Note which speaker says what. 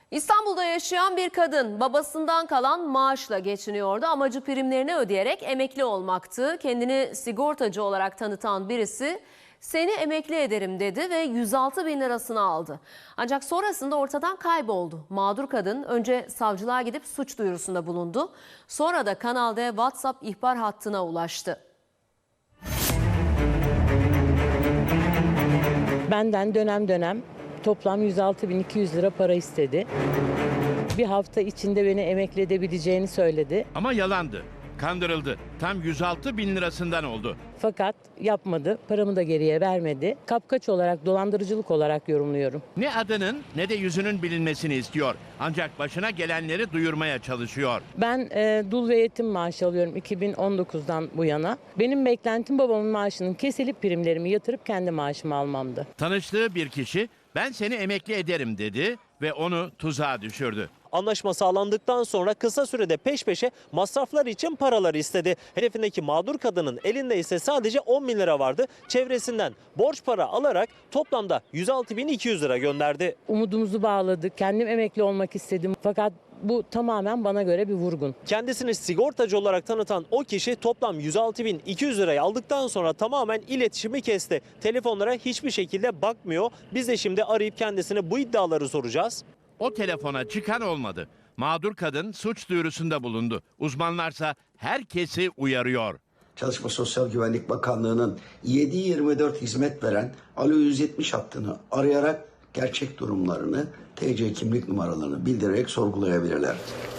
Speaker 1: İstanbul'da yaşayan bir kadın babasından kalan maaşla geçiniyordu. Amacı primlerini ödeyerek emekli olmaktı. Kendini sigortacı olarak tanıtan birisi seni emekli ederim dedi ve 106 bin lirasını aldı. Ancak sonrasında ortadan kayboldu. Mağdur kadın önce savcılığa gidip suç duyurusunda bulundu. Sonra da Kanal D WhatsApp ihbar hattına ulaştı.
Speaker 2: Benden dönem dönem toplam 106.200 lira para istedi. Bir hafta içinde beni emekli edebileceğini söyledi.
Speaker 3: Ama yalandı. Kandırıldı. Tam 106 bin lirasından oldu.
Speaker 2: Fakat yapmadı, paramı da geriye vermedi. Kapkaç olarak, dolandırıcılık olarak yorumluyorum.
Speaker 3: Ne adının ne de yüzünün bilinmesini istiyor. Ancak başına gelenleri duyurmaya çalışıyor.
Speaker 2: Ben dul ve yetim maaşı alıyorum 2019'dan bu yana. Benim beklentim babamın maaşının kesilip primlerimi yatırıp kendi maaşımı almamdı.
Speaker 3: Tanıştığı bir kişi ben seni emekli ederim dedi ve onu tuzağa düşürdü.
Speaker 4: Anlaşma sağlandıktan sonra kısa sürede peş peşe masraflar için paraları istedi. Hedefindeki mağdur kadının elinde ise sadece 10 bin lira vardı. Çevresinden borç para alarak toplamda 106.200 lira gönderdi.
Speaker 2: Umudumuzu bağladık, kendim emekli olmak istedim. Fakat bu tamamen bana göre bir vurgun.
Speaker 4: Kendisini sigortacı olarak tanıtan o kişi toplam 106.200 lirayı aldıktan sonra tamamen iletişimi kesti. Telefonlara hiçbir şekilde bakmıyor. Biz de şimdi arayıp kendisine bu iddiaları soracağız.
Speaker 3: O telefona çıkan olmadı. Mağdur kadın suç duyurusunda bulundu. Uzmanlarsa herkesi uyarıyor.
Speaker 5: Çalışma Sosyal Güvenlik Bakanlığı'nın 7/24 hizmet veren Alo 170 hattını arayarak gerçek durumlarını, TC kimlik numaralarını bildirerek sorgulayabilirler.